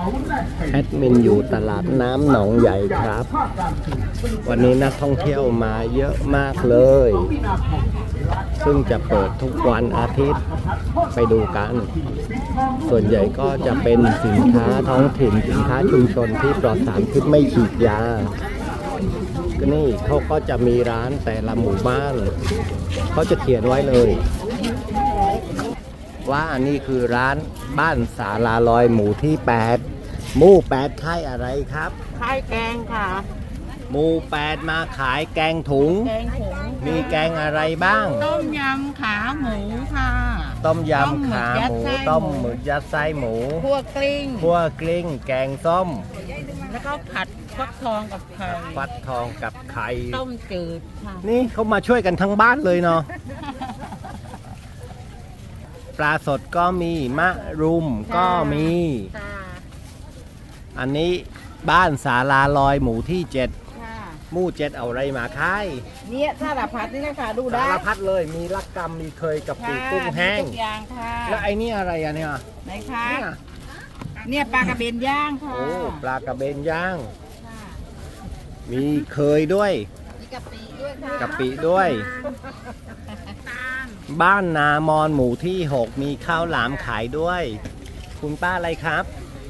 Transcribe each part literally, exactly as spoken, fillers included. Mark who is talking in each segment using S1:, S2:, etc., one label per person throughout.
S1: แอดมินอยู่ตลาดน้ำหนองใหญ่ครับวันนี้นักท่องเที่ยวมาเยอะมากเลยซึ่งจะเปิดทุกวันอาทิตย์ไปดูกันส่วนใหญ่ก็จะเป็นสินค้าท้องถิ่นสินค้าชุมชนที่ปลอดสารพิษไม่ฉีดยาก็นี่เขาก็จะมีร้านแต่ละหมู่บ้านเขาจะเขียนไว้เลยว่านี่คือร้านบ้านศาลาลอยหมู่ที่แปดหมู่แปดขายอะไรครับ
S2: ขายแกงค่ะ
S1: หมู่แปดมาขายแกงถุง
S2: แกงถุง
S1: มีแกงอะไรบ้าง
S2: ต้มยำขาหมูค่ะ
S1: ต้มยำขาหมูต้มหมึกยัดไส้หมู
S2: คั่วกลิ้ง
S1: คั่วกลิ้งแกงส้ม
S2: แล้วก็ผัดฟักทองกับไข่
S1: ฟักทองกับไข่
S2: ต้มจืดค่ะ
S1: นี่เขามาช่วยกันทั้งบ้านเลยเนาะปลาสดก็มีมะรุมก็มีอันนี้บ้านศาลาลอยหมู่ที่เจ็ดหมู่เจ็ดเอาอะไรมาขาย
S2: เนี่ยสารพัดนี่นะคะดูได้
S1: สารพัดเลยมีลักกำมีเคยกับปีกุ้งแห้ง
S2: ทุกอย่างค่ะ
S1: แล้วไอ้นี่อะไรอะเนี่ย
S2: ไหนคะเนี่ยปลากระเบนย่างค่ะ
S1: โอ้ปลากระเบนย่างมีเคยด้วย
S2: มีกะปิด้วยค่ะ
S1: กะปิด้วยบ้านนามอนหมู่ที่หกมีข้าวหลามขายด้วยคุณป้าอะไรครับ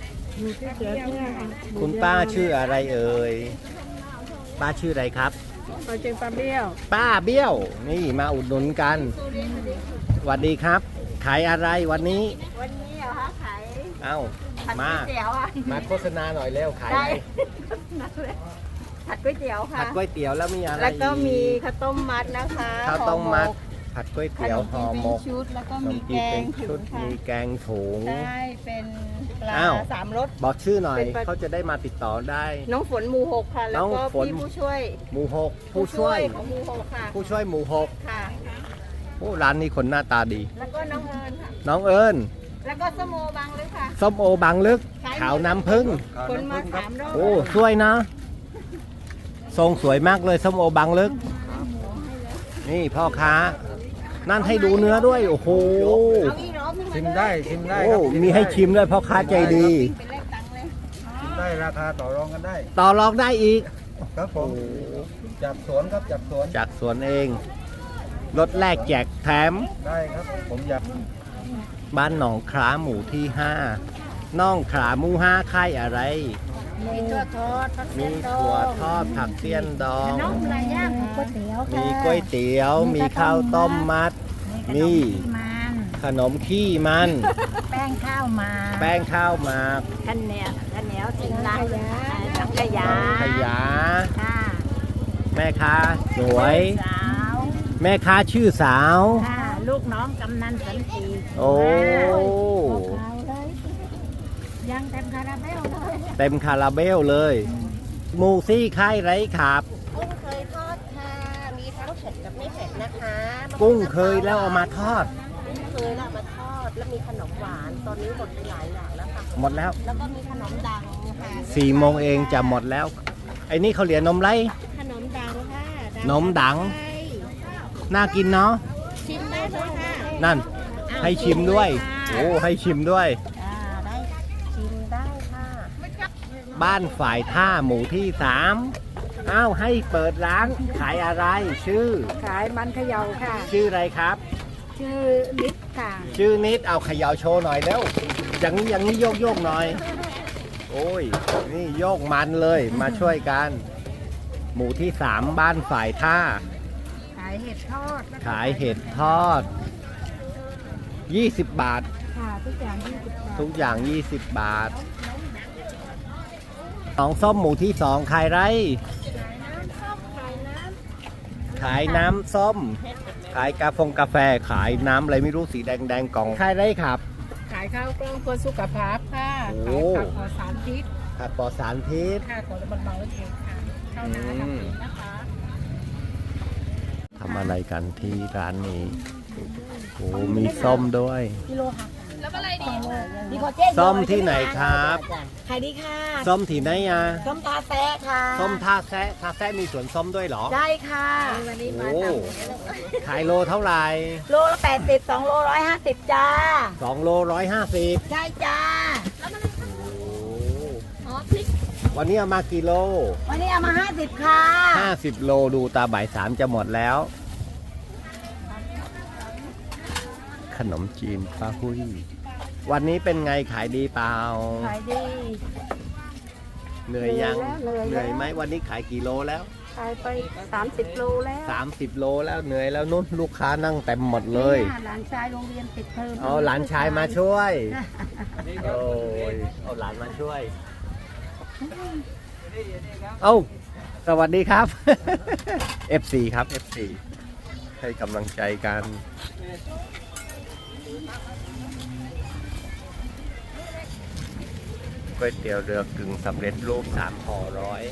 S1: คุณป้าชื่ออะไรเอ่ยป้าชื่ออะไรครับ
S2: ป้าชื่อป้าเบี้ยว
S1: ป้าเบี้ยวนี่มาอุดหนุนกันสวัสดีครับขายอะไรวันนี้
S2: วันนี้เหรอคะขาย
S1: เอ้ามามาโฆษณาหน่อยเร็วขายอะไร
S2: ผัดก๋วยเตี๋ยวค่ะ
S1: ผัดก๋วยเตี๋ยวแล้วมีอะไร
S2: แล้วก็มีข้าวต้มมัดนะคะ
S1: ข้าวต้มมัดผัดก๋วยเตี๋ยวห่อหมก
S2: ชุดแล้วก็มีแกงถุง
S1: มีแกงถุง
S2: ใช่เป็นปลาสามรส
S1: บอกชื่อหน่อยเขาจะได้มาติดต่อได้
S2: น้องฝนหมู่หกค่ะแล้วก็พี่ผู้ช่วย
S1: หมู่หกผู้ช่วย
S2: ของหมู่หกค่ะ
S1: ผู้ช่วยหมู่หก
S2: ค่ะ
S1: โอ้ร้านนี้คนหน้าตาดี
S2: แล้วก็น้องเอิญค่ะ
S1: น้องเอิญ
S2: แล้วก็ส้มโอบางลึกค่ะ
S1: ส้มโอบางลึกขาวน้ำผึ้ง
S2: คนมาสามรอบ
S1: โอ้สวยนะทรงสวยมากเลยส้มโอบางลึกนี่พ่อค้านั่นให้ดูเนื้อด้วยโอ้โห
S3: ชิมได้ชิมได้
S1: โอ้มีให้ชิมด้วยพ่อค้าใจดี
S3: ชิมได้ราคาต่อรองกันได้
S1: ต่อรองได้อีก
S3: ครับผมจากสวนครับจากสวน
S1: จากสวนเองรถแรกแจกแถม
S3: ได้ครับผมอยาก
S1: บ้านหนองคล้าหมู่ที่ห้าน้องขาหมู่ห้าค่ายอะไร
S2: มีถั่วทอด
S1: มีถั่วทอดผักเสี้ยนดอง
S2: น้องปลาย่างก๋วยเตี๋ยว
S1: มีก๋วยเตี๋ยวมีข้าวต้มมัดมีขนมขี้มัน
S2: แป้งข้าวมา
S1: แป้งข้าวมา
S2: ข้าวเหนียวข้าวเหนียวทิ้งร้านสังขยา
S1: สังขยาแม่ค้าสวยแม่ค้าชื่อสาว
S2: ลูกน้องกำนันสันติ
S1: โอ้
S2: ยังเต็มคาราเบลเลย
S1: เต็มคาราเบลเลยหมูซี่ไข่ไรครับ
S2: กุ้งเคยทอดค่ะมีทั้งเผ็ดกับไม่เผ็ดนะคะ
S1: กุ้งเคยแล้วเอามาทอด
S2: กุ้งเคยแล้วมาทอดแล้วมีขนมหวานตอนนี้หมดไปหลายอย่างแล้วค่ะ
S1: หมดแล้ว
S2: แล้วก็มีขนมดังค่ะ
S1: สี่โมงเองจะหมดแล้วไอ้นี่เขาเรียนนมไร
S2: ขนมดังค่ะ
S1: นมดังน่ากินเนาะ
S2: ชิมได้เลยค่ะ
S1: นั่นให้ชิมด้วยโอ้ให้ชิมด้วย
S2: ได้ชิมได้ค่ะ
S1: บ้านฝ่ายท่าหมู่ที่สามอ้าวให้เปิดร้านขายอะไรชื่อ
S2: ขายมันเขย่าค่ะ
S1: ชื่ออะไรครับ
S2: ชื่อนิดค่ะ
S1: ชื่อนิดเอาเขย่าโชว์หน่อยแล้วอย่างนี้อย่างนี้โยกโยกหน่อยโอ้ยนี่โยกมันเลยมาช่วยกันหมู่ที่สามบ้านฝ่ายท่า
S2: ขายเห็ดทอด
S1: ขายเห็ดทอดยี่สิบบาท
S2: ค่ะทุกอย่างยี่สิบบาท
S1: ทุกอย่างยี่สิบบาทน้องส้มหมู่ที่สองขายไรขายน้ำส้มขายกาแฟกาแฟขายน้ำอะไรไม่รู้สีแดงแดงกล่องขายไรครับ
S2: ขายข้าวกล้องเพื่อสุขภาพค่ะขายผักปลอดสารพิษ
S1: ผักปลอดสารพิษ
S2: ค่ะของมันเบาเองค่ะข้าวน้ำทำเองนะคะ
S1: ทำอะไรกันที่ร้านนี้โอ้มีส้มด้วย
S2: แล้วก็อะไรดี
S1: ส้มที่ไหนครับ
S2: ขายดีค่ะ
S1: ส้มที่ไหนอ่ะ
S2: ส้มท่าแซะค่ะ
S1: ส้มท่าแซะท่าแซะมีสวนส้มด้วยเหรอ
S2: ใช่ค่ะวันนี้มา
S1: ขายโลเท่าไหร่
S2: โลละแปดสิบสองโลร้อยห้าสิบจ้า
S1: สองโลร้อยห้าสิบ
S2: ใช่จ้า
S1: วันนี้เอามากี่โล
S2: วันนี้เอามาห้าสิบค่ะ
S1: ห้าสิบโลดูตาบ่ายสามจะหมดแล้ว ขนมจีนป้าหุ้ยวันนี้เป็นไงขายดีเปล่า
S2: ขายดี
S1: เหนื่อยยัง
S2: เหนื่อยแล้ว
S1: เหนื่อยไหมวันนี้ขายกี่โลแล้ว
S2: ขายไปสามสิบโลแล้ว
S1: สามสิบโลแล้วเหนื่อยแล้วนุ่นลูกค้านั่งเต็มหมดเลย
S2: นี่หลานชายโรงเรียนปิดเทอม
S1: เอาหลานชายมาช่วยโอ้ยเอาหลานมาช่วย เอ้าสวัสดีครับ เอฟ ซี ครับ เอฟ ซี ให้กำลังใจกันก๋วยเตี๋ยวเรือกึ่งสำเร็จรูปสามห่อร้อย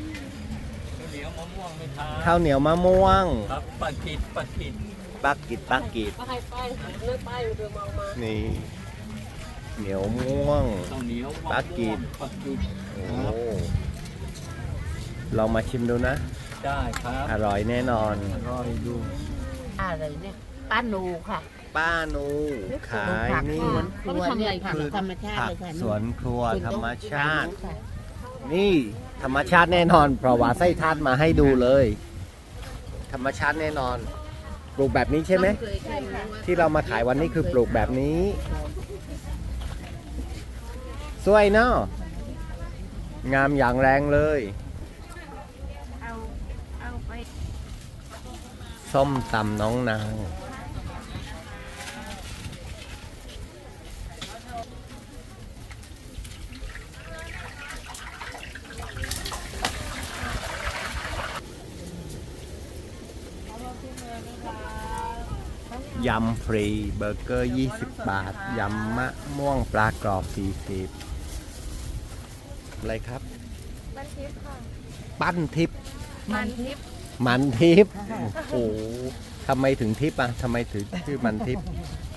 S1: ข้าวเหนียวมะม่วง
S3: ครับปักกิดปักกิด
S1: ปักกิดปักกิด
S2: ไปไปเลื่อนไปเรือมองมา
S1: นี่ เหนียวม่วง
S3: ข้าวเหนียว
S1: ปักกิด
S3: ปักกิด
S1: โอ้ลองมาชิมดูนะ
S3: ได้ครับ
S1: อร่อยแน่นอน
S3: รอดู
S2: อะไรเนี่ยป้าหนูค่ะ
S1: ป้านูขายนี่
S2: ครัวเนี่ยผักธรรมชาติ
S1: ผัก
S2: เลยค่ะ
S1: สวนครัวธรรมชาติ
S2: ค่ะ
S1: นี่ธรรมชาติแน่นอน เพราะว่าไส้ทาดมาให้ดูเลย ธรรมชาติแน่นอน ปลูกแบบนี้ใช่ไหม
S2: ใช่ค่ะ
S1: ที่เรามาขายวันนี้คือปลูกแบบนี้ สวยเนาะงามอย่างแรงเลย
S2: เอาเอาไป
S1: ส้มตำน้องนางยำฟรีเบอร์เกอร์ยี่สิบบาท ยำมะม่วงปลากรอบสี่สิบอะไรครับ
S2: มันทิพย์ค่ะ
S1: ปั้นทิพย์
S2: มันทิพย์
S1: มันทิพย์โอ้โหทำไมถึงทิพย์อ่ะทำไมถึงชื่อมันทิพย์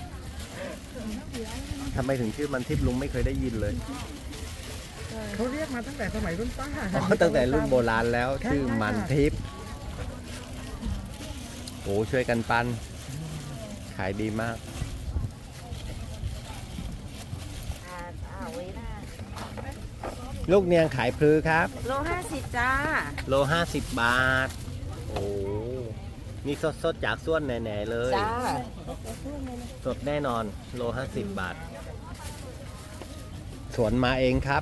S1: ทำไมถึงชื่อมันทิพย์ลุงไม่เคยได้ยินเลย
S4: เขาเรียกมาตั้งแต่สมัยรุ่นป้า
S1: อ๋อตั้งแต่รุ่นโบราณแล้วชื่อมันทิพย์โอ้ช่วยกันปั้นขายดีมาก
S2: อ่าเอาไว้หน้า
S1: ลูกเนียงขายพลือครับ
S2: โลห้าสิบจ้า
S1: โลห้าสิบบาท โอ้นี่สดสดๆจากส่วนแหน่ๆเลย
S2: จ้า
S1: สดแน่นอน โลห้าสิบบาท สวนมาเองครับ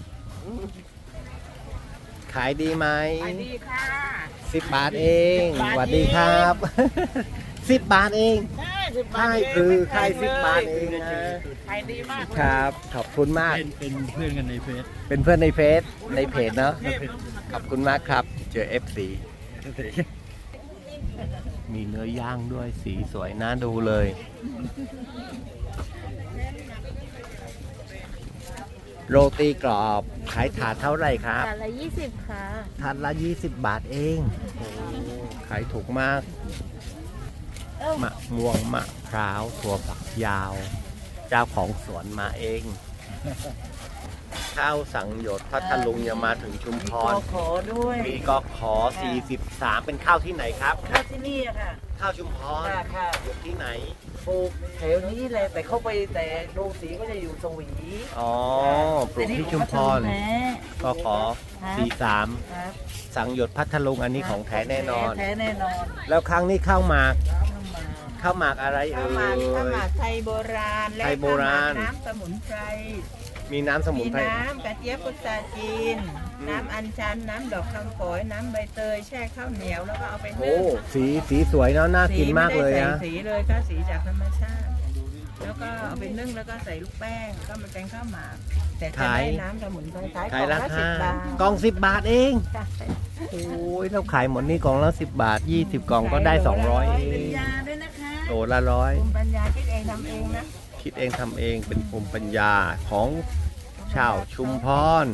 S1: ขายดีไหม
S4: ไปดีค่ะ
S1: สิบบาทเองสวัสดีครับ สิบบาทเอง
S4: ได้สิบบาท
S1: ค่ายคือค่ายสิบบาทเองนะ
S4: ขายดีมาก
S1: ครับ ขอบคุณมาก
S3: เป็นเป็นเพื่อนกันในเฟซ
S1: เป็นเพื่อนในเฟซในเพจเนาะ ขอบคุณมากครับ เจอ เอฟ ซี มีเนื้อย่างด้วยสีสวยน่าดูเลย โรตีกรอบขายถาดเท่าไหร่ครับ
S2: จานละยี่สิบค่ะ
S1: ถาดละยี่สิบบาทเองโอ้ขายถูกมาก มะม่วงมะพร้าวถั่วฝักยาว เจ้าของสวนมาเอง ข้าวสังหยดพัทลุงยังมาถึงชุมพร
S4: ขอด้วย
S1: มีกอขอสี่สิบสามเป็นข้าวที่ไหนครับ
S4: ข้าวที่นี่อะค่ะ
S1: ข้าวชุมพร
S4: ค่ะค่ะ
S1: อยู่ที่ไหน
S4: ปลูกแถวนี้เลยแต่เข้าไปแต่โรงสีก็จะอยู่สวี
S1: อ๋อ ปลูกที่ชุมพร
S4: แท้
S1: ก็ขอสี่สาม
S4: ครับ
S1: สังหยดพัทลุงอันนี้ของแท้แน่นอน
S4: แท้แน่นอน
S1: แล้วครั้งนี้ข้าวหมาก
S4: เข้ามา
S1: ข้าวหมากอะไรเอ่
S4: ข้าวย หมากข้าวหมากไทยโบราณและ
S1: ไทยโบราณ
S4: ข้าวหมากน้ำสมุนไพร
S1: มีน้ำสมุ
S4: มี
S1: นไพร
S4: น้ำกระเจี๊ยบพุทราจีน
S1: อืม
S4: น้ำอัญชัน น้ำดอกคำฝอย น้ำใบเตย แช่ข้าวเหนียวแล้วก็เอาไป
S1: โอ้
S4: นึ่ง
S1: สีสีสวยเนาะน่ากินมากเลย
S4: สี
S1: นะ
S4: ไได้ใส่สีเลยก็สีจากธรรมชาติ แล้วก็เอาไปนึ่งแล้วก็ใส่ลูกแป้งก็มันเป็นข้าวหมาก แต่จะ
S1: ขาย
S4: ได้น้ำสมุนไพรขาย
S1: ขายรา
S4: ล่อง
S1: คา
S4: ละสิบบาท
S1: กล่องสิบบาทเอง
S4: จ้ะ
S1: โอ้ยเราขายหมดนี่กล่องละสิบบาทยี่สิบกล่องก็ได้สองร้อยเอ
S4: เป็น
S1: ง
S4: ยาด้วยนะคะ
S1: โตละร้อย
S4: ภูมิปัญญาคิดเองทำเองนะ
S1: คิดเองทำเองเป็นภูมิปัญญาของชาวชุมพร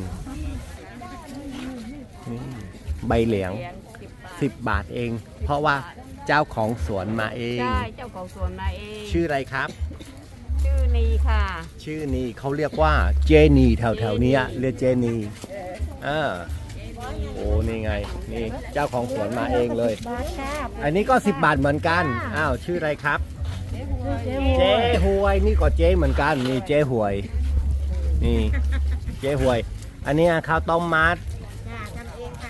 S1: นี่ใบเหลียงสิบบาทเอง เพราะว่าเจ้าของสวนมาเอง
S2: ใช่เจ้าของสวนมาเอง
S1: ชื่ออะไรครับ
S2: ชื่อนีค่ะ
S1: ชื่อนี้เขาเรียกว่าเจนีแถวแถวๆเนี้ยเรียกเจนีอ่าโอ้นี่ไงนี่เจ้าของสวนมาเองเลย
S4: บาทค่ะ
S1: อันนี้ก็สิบบาทเหมือนกันอ้าวชื่ออะไรครับ
S4: เจ๊
S1: เจ๊หวยนี่ก็เจ๊เหมือนกันนี่เจ๊หวยนี่เจ๊หวย อันนี้ข้าวต้มมัด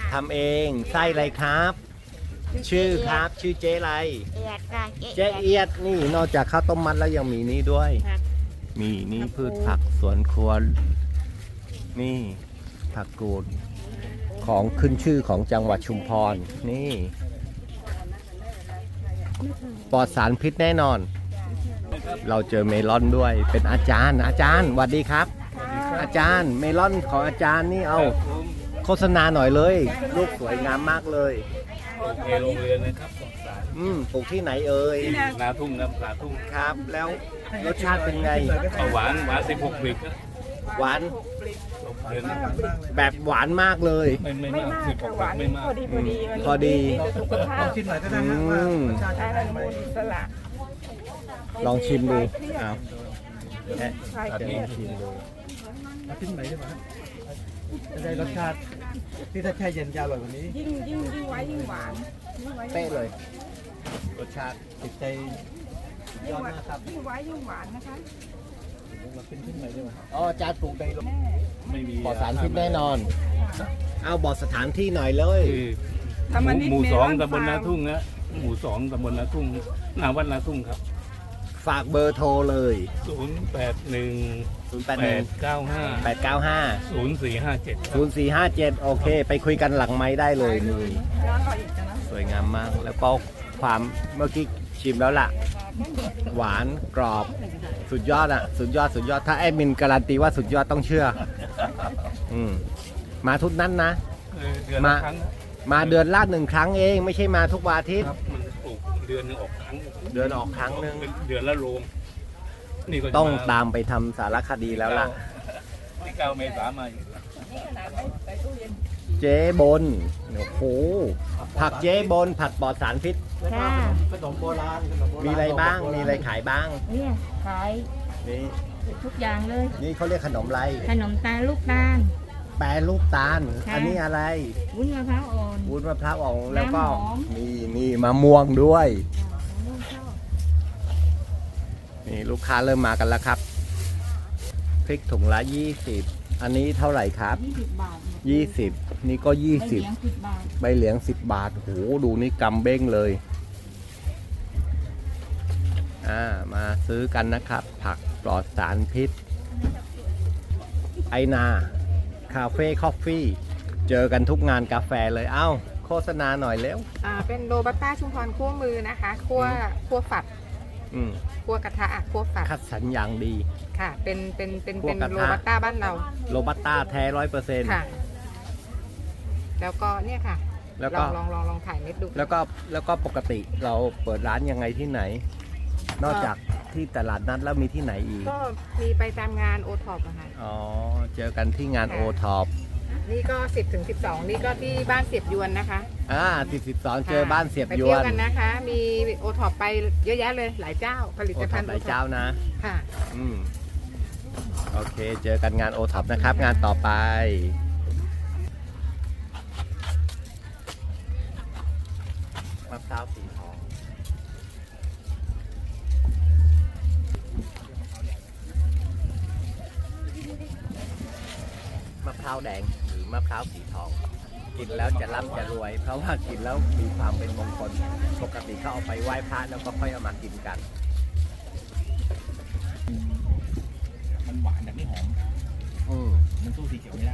S1: ทำเองไส้อะไรครับ ชื่อครับ ชื่อเจ๊อะไร
S2: เอียดค่ะ
S1: เจ๊เอียดนี่นอกจากข้าวต้มมัดแล้วยังมีนี่ด้วย
S2: ครับ
S1: มีนี่พืชผักสวนครัวนี่ผักกูดของขึ้นชื่อของจังหวัดชุมพรนี่ปลอดสารพิษแน่นอน เราเจอเมลอนด้วยเป็นอาจารย์ อาจารย์สวัสดีครับ อาจารย์เมลอนของอาจารย์นี่เอาโฆษณาหน่อยเลยลูกสวยงามมากเลย
S3: โอเคโรงเรียนนะครับสงสาร
S1: อืมปลูกที่ไหนเอ่ย
S3: นาทุ่งครับนาทุ่ง
S1: ครับ แล้วรสชาติเป็นไง
S3: เอาหวานหวานสิบหกบิกครับ
S1: หวาน
S3: เดือน
S1: แบบหวานมากเลย
S3: ไม่ไม่มากสิบหกบิกไม่มาก
S4: พอดีพอดีมัน
S1: พอดี
S4: สุขภาพ
S5: ชิมหน่อยก็
S1: อื
S5: ได้นะว่าม รสชาติ
S4: ได้ฮอร์โมนอิสระ
S1: ลองชิมดูเอาแอะ
S4: คลาย
S1: จะ
S4: เครี
S1: ล
S4: ย
S1: อง
S4: ด
S1: ชิมดู
S5: เอาชิมหน่อยได้ไหมจะได้รสชาติที่ถ้าแช่เย็นจะอร่อยกว่านี้
S4: ยิ่งยิ่งยิ่งไว้ยิ่งหวานยิ่งไว้
S1: เป๊ะเลย รสชาติ
S5: ติดใจยอดมากครับ
S4: ยิ่งไว้ยิ่งหวานนะคะ
S5: มาเป็นชิ้นหน่อยได้ไหม
S1: อ๋ออาจารย์ปลูกใน
S3: ไม่มี
S1: ปลอดสารพิษแน่นอน เอาบอกสถานที่หน่อยเลย
S3: คือ
S4: ทำมันนิด
S3: หมู่
S4: เม
S3: ส
S4: ล
S3: อง
S4: อน
S3: ตำบลนา
S4: ฟาร์ม
S3: ทุ่งนะหมู่สองตำบลนาทุ่งนาวัดนาทุ่งครับ
S1: ฝากเบอร์โทรเลย
S3: ศูนย์แปดหนึ่ง
S1: ศูนย์ แปด
S3: แป
S1: หนึ่ง
S3: ดเก้าห้า
S1: แปดเก้าห้า
S3: ศูนย์สี่ห้าเจ็ด
S1: ศูนย์สี่ห้าเจ็ดโอเค ไปคุยกันหลังไม้ได้เลยนี่
S4: ย้อนรอยอีกนะ
S1: สวยงามมาก แล้วก็ความเมื่อกี้ชิมแล้วล่ะ หวานกรอบสุดยอดอ่ะ สุดยอดสุดยอดถ้าแอดมินการันตีว่าสุดยอดต้องเชื่อ อืมมาทุกนั้นนะ
S3: เดือน
S1: มา
S3: ละครั้ง
S1: มาเดือนละหนึ่งครั้งเองไม่ใช่มาทุกวันอาทิตย์
S3: ครับมันปลูกเดือนหนึงออกครั้ง
S1: เดือนออกครั้งหนึ่ง
S3: เดือนละโรงนี่ก็จะ
S1: ต้อง
S3: ม
S1: ตามไปทำสารคดีแล้วล่ะ
S3: ที่เก้าเมษามาอีก
S1: เจ๊บนโอ้โหผักเจ๊บนผักปลอดสารพิษ
S2: ค่ะ
S5: ขนมโบราณขนมโบราณ
S1: มีอะไรบ้าง มีอะไรขายบ้าง
S2: เนี่ยขาย
S1: นี่
S2: ทุกอย่างเลย
S1: นี่เขาเรียกขนมอะไร
S2: ขนมตาลลูกตาล
S1: แปรรูปตาล
S2: ค่ะ
S1: อันนี้อะไร
S2: วุ้นมะพร้าวอ่อน
S1: วุ้นมะพร้าวอ่อนแล้วก็
S2: น้ำหอม
S1: นี่นี่มะม่วงด้วย นี่ลูกค้าเริ่มมากันแล้วครับ พริกถุงละยี่สิบอันนี้เท่าไหร่ครับ
S2: ยี่สิบบาท
S1: ยี่สิบนี่ก็ยี่
S2: ใบ
S1: สิบ
S2: เหลียงสิบบาท
S1: ใบเหลียงสิบบาทโหดูนี่กำเบ้งเลย อ่า มาซื้อกันนะครับ ผักปลอดสารพิษ ไอนา คาเฟ่คอฟฟี่ เจอกันทุกงานกาแฟเลย เอ้า โฆษณาหน่อยเร็ว
S4: อ่าเป็นโรบัสต้าชุมพรคั่วมือนะคะคั่วคั่วฝัด
S1: อืม
S4: คั่วกระทะอ่ะคั่วฝัด
S1: คัดสรรอย่างดี
S4: ค่ะ เป็นเป็นเป็น
S1: คั่ว
S4: เป็น
S1: กระทะ
S4: โรบัสต้าบ้านเรา
S1: โรบัสต้าแท้ร้อยเปอร์เซ็นต์
S4: ค่ะ แล้วก็เนี่ยค่ะ
S1: แล้ว
S4: ล
S1: ก็
S4: องลองลองลองถ่ายเม็ดดู
S1: แล้วก็แล้วก็ปกติเราเปิดร้านยังไงที่ไหน นอกจากที่ตลาดนัดแล้วมีที่ไหนอีก
S4: ก็มีไปตามงานโอท็อปอะค่ะ
S1: อ๋อ เจอกันที่งาน
S4: ค่ะ
S1: โอท็อป
S4: นี่ก็สิบถึงสิบสองนี่ก็ที่บ้านเสียบยวนนะคะ
S1: อ่าสิบสิบสองเจอบ้านเสียบ
S4: ไป
S1: ย
S4: เที่
S1: ว
S4: ยวน กันนะคะ มีโอท็อปไปเยอะแยะเลยหลายเจ้า ผลิ
S1: โอ
S4: ต
S1: ท็
S4: ภั
S1: อ
S4: ณ
S1: ป
S4: ฑ์
S1: หลายเจ้านะ
S4: ค่ะ
S1: อืม โอเค เจอกันงานโอท็อปนะครับ งานต่อไป มะพร้าวสีทอง มะพร้าวแดงหรือมะพร้าวสีทอง กินแล้วจะร่ำจะรวย เพราะว่ากินแล้วมีความเป็นมงคล ปกติเขาเอาไปไหว้พระแล้วก็ค่อยเอามากินกัน
S5: มันหวานแต่ไม่หอม
S1: อืม
S5: มันสู้สีเขียวไม่ได้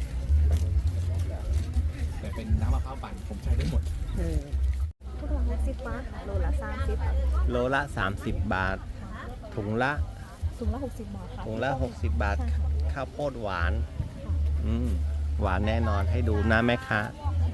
S5: แต่เป็นน้ำมะพร้าวปั่นผมใช้ได้หมด
S2: ทุกคนละสิบบาทโลละสามสิบ
S1: โลละ สามสิบ บาท ถุงละ
S2: ถุงละหกสิบบาทค่ะ
S1: ถุงละ หกสิบ บาท ข้าวโพดหวาน อืม หวานแน่นอนให้ดูนะแม่ค้า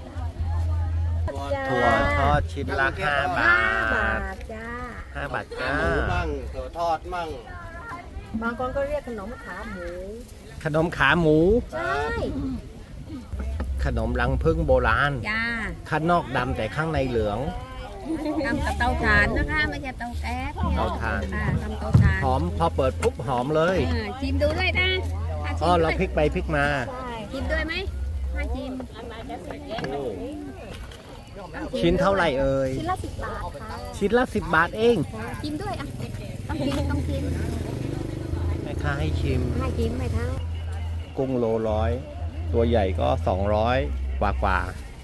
S1: ถั่วทอดชิ้นละห้าบา
S2: บา
S1: ท
S2: ทจ้า
S1: ห้าบาทจ้า
S5: มั่งถั่วทอดมั่ง
S2: บางคนก็เรียกขนมขาหมู
S1: ขนมขาหมู
S2: ใช่
S1: ขนมรังพึ่งโบราณ
S2: จ้า
S1: ข้างนอกดำแต่ข้างในเหลือง
S2: ทำกับเตาถ่านนะคะ ไม่ใช่เตาแก๊ส
S1: เตาถ่าน
S2: ค่ะทำเตาถ่าน
S1: หอมพอเปิดปุ๊บหอมเลย
S2: เออชิมดูด้วยนะอ่ะชิ
S1: อ๋อ
S2: มด้
S1: เรา
S2: วย
S1: พลิกไปพลิกมา
S2: ชิมด้วยไหมมาชิม
S1: โอ้ชิ้นเท่าไหร่เอ่ย
S2: ชิ้นละสิบบาทค่ะ
S1: ชิ้นละสิบบาทเอง
S2: ชิมด้วยอ่ะ ต้องชิมต้องชิม
S1: แม่ค้าให้ชิม
S2: ให้ชิมไหมคะ
S1: กุ้งโลร้อย ตัวใหญ่ก็สองร้อยกว่ากว่า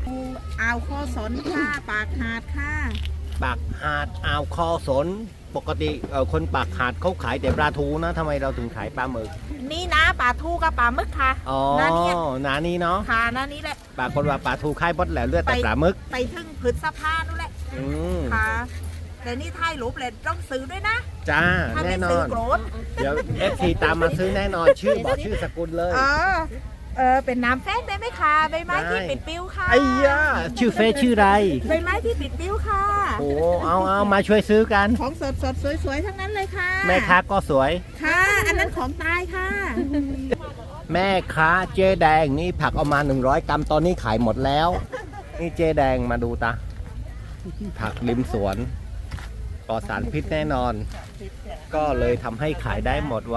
S4: อ่าวโคสนค่ะปากหาดค่ะ
S1: ปากหาดอ่าวคอสน ปกติเอ่อคนปากหาดเขาขายแต่ปลาทูนะทำไมเราถึงขายปลาหมึก
S4: นี่นะปลาทูกับปลาหมึกค่ะ
S1: อ๋อ
S4: นานี้
S1: นานี้เนาะ
S4: ค่ะนานี้แหละ
S1: ปรากฏว่าปลาทูคายบดแล้วเลือดแต่
S4: ไป
S1: ปลาหมึก
S4: ไปถึงพฤษภานู่นแหละ
S1: อืม
S4: ค่ะแต่นี่ถ่ายรูปเลยต้องซื้อด้วยนะ
S1: จ้า
S4: ถ้า
S1: แน่
S4: ไม่
S1: น
S4: ซื้
S1: อ
S4: อน โกรธ
S1: เดี๋ยวเอฟซีตามมาซื้อแน่นอนชื่อบอกชื่อสกุลเลย
S4: เออเออเป็นน้ำแฟนได้ไหมคะใบไม้ที่
S1: ได้
S4: ปิดปิ้วค่ะ
S1: ไอ้ย่าชื่อเฟซชื่ออะไร
S4: ใบไม้ที่ปิดปิ้วค่ะ
S1: โอ้เอาเอามาช่วยซื้อกัน
S4: ของสดสดๆสวยๆทั้งนั้นเลยค่ะ
S1: แม่ค้าก็สวย
S4: ค่ะ อันนั้นของตายค่ะ
S1: แม่ค้าเจ๊แดงนี่ผักเอามาหนึ่งร้อยกรัมตอนนี้ขายหมดแล้ว นี่เจ๊แดงมาดูตาผักริมสวนปลอดสารพิษแน่นอน ก็เลยทำให้ขายได้หมดไว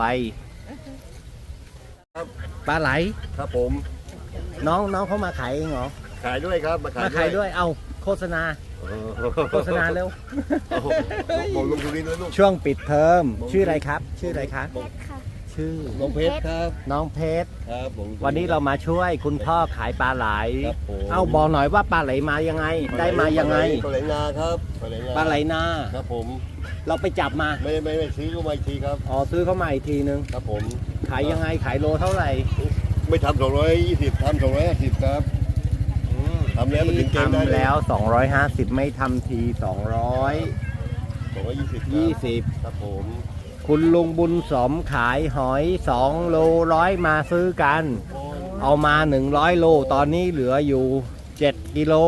S1: ปลาไหล
S6: ครับผม
S1: น้องน้องเขามาขายเองเหรอ
S6: ขายด้วยครับมาขาย
S1: มาขายด้วยเอาโฆษณา
S6: เออ
S1: โฆษณาเร็ว
S6: โอ้โหบอกลุงสุรินทร์เลยลูก
S1: ช่วงปิดเทอมชื่ออะไรครับ ชื่ออะไรคะชื่อ
S6: น้องเพชรครับ
S1: น้องเพชร
S6: ครับผม
S1: วันนี้เรามาช่วยคุณพ่อขายปลาไหล
S6: ครับผม
S1: เอาบอกหน่อยว่าปลาไหลมายังไง ได้มายังไง
S6: ปลาไหลนาครับปลาไหลนา
S1: ปลาไหลนา
S6: ครับผม
S1: เราไปจับมา
S6: ไม่ไม่ไม่ซื้อก็มาอีกทีครับ
S1: อ๋อซื้อเข้ามาอีกทีนึง
S6: ครับผม
S1: ขายยังไงขายโลเท่าไหร่
S6: ไม่ทำสองร้อยยี่สิบทำสองร้อยห้าสิบครับ ทำแล้วมันถึงเกณฑ์ได้เลย
S1: ทำแล้วสองร้อยห้าสิบไม่ทำทีสองร้อย
S6: สองร้อยยี่สิบ
S1: ยี่สิบ
S6: ครับผม
S1: คุณลุงบุญสมขายหอยสองโลร้อยมาซื้อกัน เอามาหนึ่งร้อยโลตอนนี้เหลืออยู่เจ็ดกิโล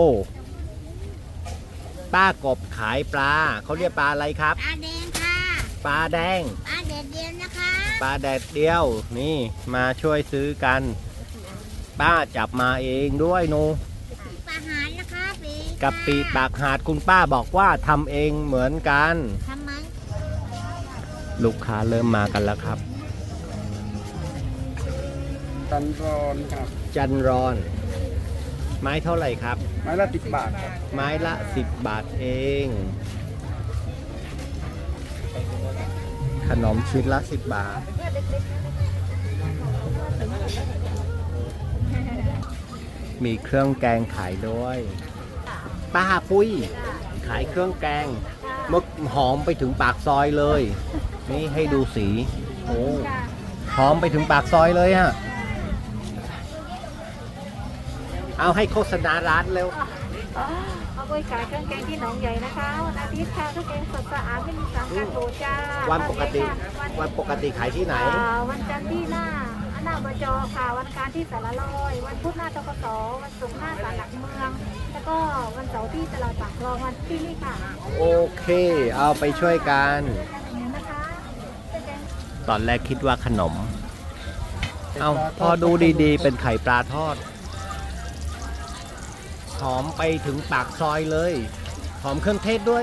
S1: ป้ากบขายปลาเขาเรียกปลาอะไรครับ
S2: ปลาแดงค่ะ
S1: ปลาแดง
S2: ปลาแดดเดียวนะคะ
S1: ปลาแดดเดียวนี่มาช่วยซื้อกัน ป้าจับมาเองด้วยหนู
S2: ปลาหารนะคะปี
S1: กับปีปากหาดคุณป้าบอกว่าทำเองเหมือนกัน
S2: ทำไม
S1: ลูกค้าเริ่มมากันแล้วครับ
S5: ตันรอนครับ
S1: จันรอน ไม้เท่าไหร่ครับ
S5: ไม้ละสิบบาทครับ
S1: ไม้ละสิบบาทเอง ขนมชิ้นละสิบบาท มีเครื่องแกงขายด้วยป้าปุ้ย ขายเครื่องแกงมึกหอมไปถึงปากซอยเลย นี่ให้ดูสี โอ้หอมไปถึงปากซอยเลยฮะ เอาให้โฆษณาร้านเร็ว
S7: เอาไปขายเครื่องแกงที่หนองใหญ่นะคะวันอาทิตย์ค่ะเครื่องแกงสดสะอาดไม่มีสารกันบูดจ้า
S1: วันปกติ วันปกติขายที่ไหน
S7: อ่าวันจันทร์ที่หน้าหน้าบจค่ะ วันอังคารที่สารลอย วันพุธหน้าตกสวันศุกร์หน้าศาลหลักเมือง แล้วก็วันเสาร์ที่ตลาดปากคลองวันที่นี่ค่ะ
S1: โอเค เอาไปช่วยกัน
S7: เนี่ยนะคะเครื่องแกง
S1: ตอนแรกคิดว่าขนม เอาพอดูดีๆ เป็นไข่ปลาทอด หอมไปถึงปากซอยเลย หอมเครื่องเทศด้วย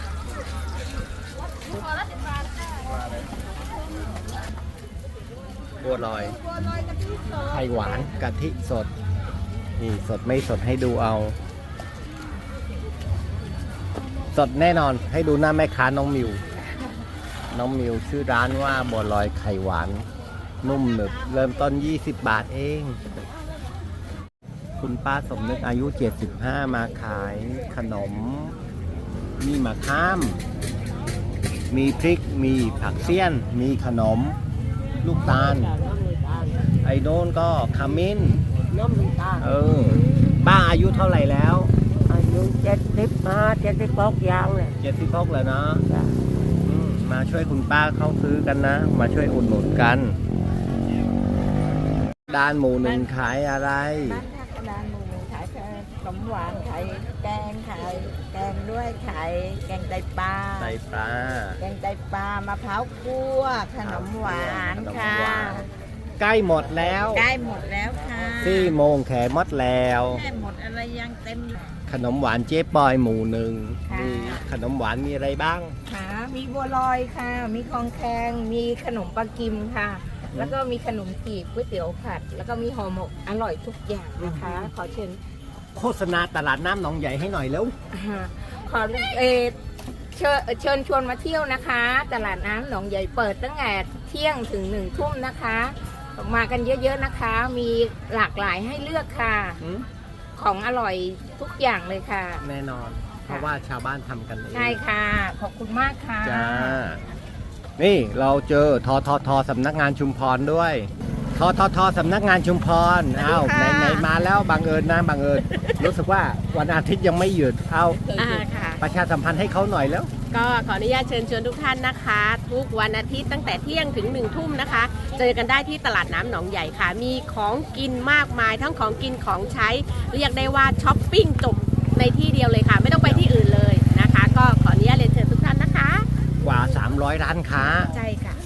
S1: บัวลอย ไข่หวานกะทิสด นี่สดไม่สดให้ดูเอา สดแน่นอนให้ดูหน้าแม่ค้าน้องมิว น้องมิวชื่อร้านว่าบัวลอยไข่หวาน นุ่มหนึบเริ่มต้นยี่สิบบาทเอง คุณป้าสมนึกอายุเจ็ดสิบห้ามาขายขนม มีมะข้าม มีพริก มีผักเสี้ยน มีขนม ลูกตาล ไอ้โน้นก็ขมิ้น
S2: น้ำมันตาล
S1: เออ ป้าอายุเท่าไหร่แล้ว
S2: อายุเจ็ดสิบห้าเจ็ดสิบหกยางเลย
S1: เจ็ดสิบหกแล้วเนาะอืมมาช่วยคุณป้าเข้าซื้อกันนะ มาช่วยอุดหนุนกัน ด้านหมูหนึ่งขายอะไร
S4: บ้านท่ากระดานหมูขายขนมหวานขายแกงขายแกงด้วยขายแกงไตปลา
S1: ไตปลา
S4: แกงไตปลามะพร้าวคั่วขนมหวานค่ะ
S1: ขนมหวานใกล้หมดแล้ว
S4: ได้หมดแล้วค่ะ
S1: สี่โมงแขหมดแล้ว
S4: ได้หมดอะไรยังเต็ม
S1: ขนมหวานเจ๊ปอยหมูหนึ่ง
S4: ค่ะ
S1: มีขนมหวานมีอะไรบ้าง
S4: ค่ะมีบัวลอยค่ะ มีคองแคงมีขนมปลากิมค่ะ แล้วก็มีขนมจีบก๋วยเตี๋ยวผัด แล้วก็มีห่อหมกอร่อยทุกอย่างนะคะ ขอเชิญ
S1: โฆษณาตลาดน้ำหนองใหญ่ให้หน่อยแล้ว
S4: อ่าขอเออเชิญเชิญชวนมาเที่ยวนะคะ ตลาดน้ำหนองใหญ่เปิดตั้งแต่เที่ยงถึงหนึ่งทุ่มนะคะ มากันเยอะๆนะคะ มีหลากหลายให้เลือกค่ะของอร่อยทุกอย่างเลยค่ะ
S1: แน่นอน เพราะว่าชาวบ้านทำกันเอง
S4: ใช่ค่ะ ขอบคุณมากค่ะ
S1: จ้า นี่เราเจอทททสำนักงานชุมพรด้วยทททสำนักงานชุมพรอ้าวไหนไหนมาแล้วบังเอิญนะบังเอิญ รู้สึกว่าวันอาทิตย์ยังไม่หยุดเอา
S2: อ่าค่ะ
S1: ประชาสัมพันธ์ให้เขาหน่อยแล้ว
S2: ก็ขออนุญาตเชิญชวนทุกท่านนะคะ ทุกวันอาทิตย์ตั้งแต่เที่ยงถึงหนึ่งทุ่มนะคะ เจอกันได้ที่ตลาดน้ำหนองใหญ่ค่ะ มีของกินมากมาย ทั้งของกินของใช้ เรียกได้ว่าช้อปปิ้งจบในที่เดียวเลยค่ะ ไม่ต้องไปที่อื่นเลยนะคะ ก็ขออนุญาตเรียนเชิญทุกท่านนะคะ
S1: กว่า สามร้อย ร้านค้า
S2: ใช่ค่ะ